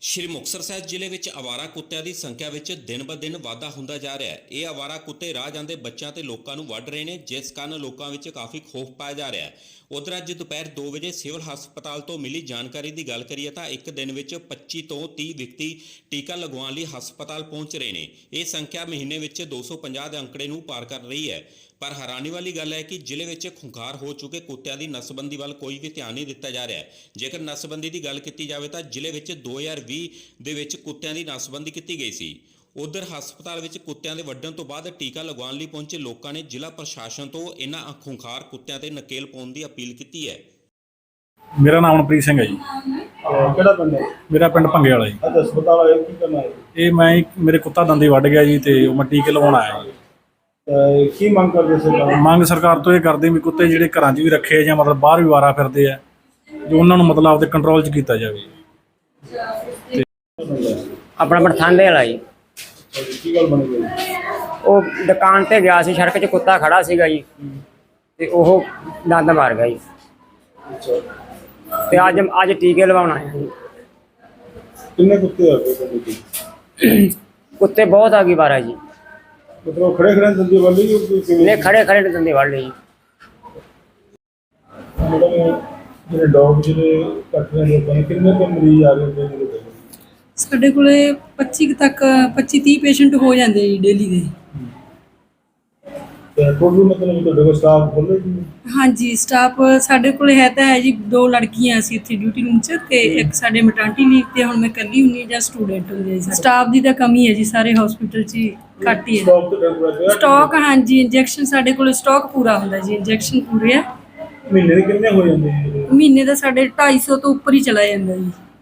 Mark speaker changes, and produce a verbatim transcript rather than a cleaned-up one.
Speaker 1: ਸ਼੍ਰੀ ਮੁਕਤਸਰ ਸਾਹਿਬ ਜ਼ਿਲ੍ਹੇ ਵਿੱਚ ਆਵਾਰਾ ਕੁੱਤਿਆਂ ਦੀ ਸੰਖਿਆ ਵਿੱਚ ਦਿਨ ਬ ਦਿਨ ਵਾਧਾ ਹੁੰਦਾ ਜਾ ਰਿਹਾ ਹੈ। ਇਹ ਆਵਾਰਾ ਕੁੱਤੇ ਰਾਹ ਜਾਂਦੇ ਬੱਚਿਆਂ ਤੇ ਲੋਕਾਂ ਨੂੰ ਵੱਢ ਰਹੇ ਨੇ, ਜਿਸ ਕਾਰਨ ਲੋਕਾਂ ਵਿੱਚ ਕਾਫੀ ਖੌਫ ਪਾਇਆ ਜਾ ਰਿਹਾ ਹੈ। ਉਧਰ ਅੱਜ ਦੁਪਹਿਰ ਦੋ ਵਜੇ ਸਿਵਲ ਹਸਪਤਾਲ ਤੋਂ ਮਿਲੀ ਜਾਣਕਾਰੀ ਦੀ ਗੱਲ ਕਰੀਏ ਤਾਂ ਇੱਕ ਦਿਨ ਵਿੱਚ ਪੱਚੀ ਤੋਂ ਤੀਹ ਵਿਅਕਤੀ ਟੀਕਾ ਲਗਵਾਉਣ ਲਈ ਹਸਪਤਾਲ ਪਹੁੰਚ ਰਹੇ ਨੇ। ਇਹ ਸੰਖਿਆ ਮਹੀਨੇ ਵਿੱਚ ਦੋ ਸੌ ਪੰਜਾਹ ਦੇ ਅੰਕੜੇ ਨੂੰ ਪਾਰ ਕਰ ਰਹੀ ਹੈ। ਪਰ ਹੈਰਾਨੀ ਵਾਲੀ ਗੱਲ ਹੈ ਕਿ ਜ਼ਿਲ੍ਹੇ ਵਿੱਚ ਖੁੰਖਾਰ ਹੋ ਚੁੱਕੇ ਕੁੱਤਿਆਂ ਦੀ ਨਸਬੰਦੀ ਵੱਲ ਕੋਈ ਵੀ ਧਿਆਨ ਨਹੀਂ ਦਿੱਤਾ ਜਾ ਰਿਹਾ ਹੈ। ਜੇਕਰ ਨਸਬੰਦੀ ਦੀ ਗੱਲ ਕੀਤੀ ਜਾਵੇ ਤਾਂ ਜ਼ਿਲ੍ਹੇ ਵਿੱਚ ਦੋ ਹਜ਼ਾਰ ਵੀਹ ਦੇ ਵਿੱਚ ਕੁੱਤਿਆਂ ਦੀ ਨਸਬੰਦੀ ਕੀਤੀ ਗਈ ਸੀ। ਉਧਰ ਹਸਪਤਾਲ ਵਿੱਚ ਕੁੱਤਿਆਂ ਦੇ ਵੱਢਣ ਤੋਂ ਬਾਅਦ ਟੀਕਾ ਲਗਵਾਉਣ ਲਈ ਪਹੁੰਚੇ ਲੋਕਾਂ ਨੇ ਜ਼ਿਲ੍ਹਾ ਪ੍ਰਸ਼ਾਸਨ ਤੋਂ ਇਹਨਾਂ ਖੁੰਖਾਰ ਕੁੱਤਿਆਂ ਤੇ ਨਕੇਲ ਪਾਉਣ ਦੀ ਅਪੀਲ ਕੀਤੀ ਹੈ।
Speaker 2: ਮੇਰਾ ਨਾਮ ਅਮਨਪ੍ਰੀਤ ਸਿੰਘ ਹੈ ਜੀ।
Speaker 3: ਕਿਹੜਾ ਪਿੰਡ ਹੈ?
Speaker 2: ਮੇਰਾ ਪਿੰਡ ਭੰਗੇ ਵਾਲਾ ਜੀ।
Speaker 3: ਅੱਜ ਹਸਪਤਾਲ ਆਏ ਕੀ ਕਰਨਾ ਹੈ?
Speaker 2: ਇਹ ਮੈਂ ਇੱਕ- ਮੇਰੇ ਕੁੱਤਾ ਦੰਦੀ ਵੱਢ ਗਿਆ ਜੀ ਤੇ ਉਹ ਮੈਂ ਟੀਕੇ ਲਵਾਉਣ ਆਇਆ ਜੀ।
Speaker 3: ਅਹ ਕੀ ਮੰਗ ਕਰਦੇ ਸਰਕਾਰ?
Speaker 2: ਮੰਗ ਸਰਕਾਰ ਤੋਂ ਇਹ ਕਰਦੇ ਵੀ ਕੁੱਤੇ ਜਿਹੜੇ ਘਰਾਂ 'ਚ ਵੀ ਰੱਖੇ ਜਾਂ ਮਤਲਬ ਬਾਹਰ ਵੀ ਵਾਰਾ ਫਿਰਦੇ ਆ, ਜੋ ਉਹਨਾਂ ਨੂੰ ਮਤਲਬ ਆਪਦੇ ਕੰਟਰੋਲ 'ਚ ਕੀਤਾ ਜਾਵੇ।
Speaker 4: ਆਪਣਾ ਪਠਾਨਦੇ ਵਾਲਾ ਜੀ।
Speaker 3: ਕੀ ਗੱਲ ਬਣੀ ਗਈ?
Speaker 4: ਉਹ ਦੁਕਾਨ ਤੇ ਗਿਆ ਸੀ, ਸੜਕ 'ਚ ਕੁੱਤਾ ਖੜਾ ਸੀਗਾ ਜੀ ਤੇ ਉਹ ਦੰਦ ਮਾਰ ਗਿਆ ਜੀ। ਤੇ ਅੱਜ ਅੱਜ ਟੀਕੇ ਲਵਾਉਣ ਆਇਆ ਜੀ।
Speaker 3: ਕਿੰਨੇ ਕੁੱਤੇ ਆ ਗਏ ਤੁਹਾਡੇ ਕੋਲ?
Speaker 4: ਕੁੱਤੇ ਬਹੁਤ ਆ ਗਈ ਬਾਰਾ ਜੀ।
Speaker 3: ਮਤਲਬ ਖੜੇ ਖੜੇ ਦੰਦੀ ਵਾਲੀ ਕਿਵੇਂ?
Speaker 4: ਨੇ ਖੜੇ ਖੜੇ ਦੰਦੇ ਵੜ ਲਏ ਜੀ।
Speaker 3: ਮਤਲਬ ਜਿਹੜੇ ਡੌਗ ਜਿਹੜੇ ਕੱਟ ਰਹੇ ਲੋਕਾਂ ਨੇ ਕਿੰਨੇ ਕੁ ਮਰੀਜ਼ ਆ ਰਹੇ ਨੇ ਜਿਹੜੇ?
Speaker 5: ਸਾਡੇ ਕੋਲੇ ਪੱਚੀ ਕੁ ਤੱਕ ਪੱਚੀ ਤੀਹ ਪੇਸ਼ੈਂਟ ਹੋ ਜਾਂਦੇ ਜੀ ਡੇਲੀ ਦੇ।
Speaker 3: ਤੇ ਕੋਈ ਮਤਲਬ ਤੁਹਾਡੇ ਕੋਲ ਸਟਾਫ ਖੋਲੇ ਜੀ?
Speaker 5: ਹਾਂਜੀ, ਸਟਾਫ ਸਾਡੇ ਕੋਲੇ ਹੈ ਤਾਂ ਹੈ ਜੀ। ਦੋ ਲੜਕੀਆਂ ਅਸੀਂ ਇੱਥੇ ਡਿਊਟੀ ਰੂਮ 'ਚ ਤੇ ਇੱਕ ਸਾਡੇ ਮੈਟਰਨਿਟੀ ਲੀਵ ਤੇ ਹੁਣ ਮੈਂ ਇਕੱਲੀ ਹੁੰਦੀ ਹਾਂ ਜਾਂ ਸਟੂਡੈਂਟ ਹੁੰਦੀ ਹੈ। ਸਟਾਫ ਦੀ ਤਾਂ ਕਮੀ ਹੈ ਜੀ, ਸਾਰੇ ਹਸਪੀਟਲ 'ਚ ਹੀ ਘੱਟ ਹੀ ਹੈ
Speaker 3: ਸਟਾਕ ਤੇ ਡਰ ਰਿਹਾ?
Speaker 5: ਸਟਾਕ। ਹਾਂਜੀ, ਇੰਜੈਕਸ਼ਨ ਸਾਡੇ ਕੋਲ ਸਟਾਕ ਪੂਰਾ ਹੁੰਦਾ ਜੀ, ਇੰਜੈਕਸ਼ਨ ਪੂਰੇ ਆ।
Speaker 3: ਮਹੀਨੇ ਦੇ ਕਿੰਨੇ ਹੋ ਜਾਂਦੇ ਨੇ?
Speaker 5: ਮਹੀਨੇ ਦਾ ਸਾਡੇ ਢਾਈ ਸੌ ਤੋਂ ਉੱਪਰ ਹੀ ਚਲਾ ਜਾਂਦਾ ਜੀ।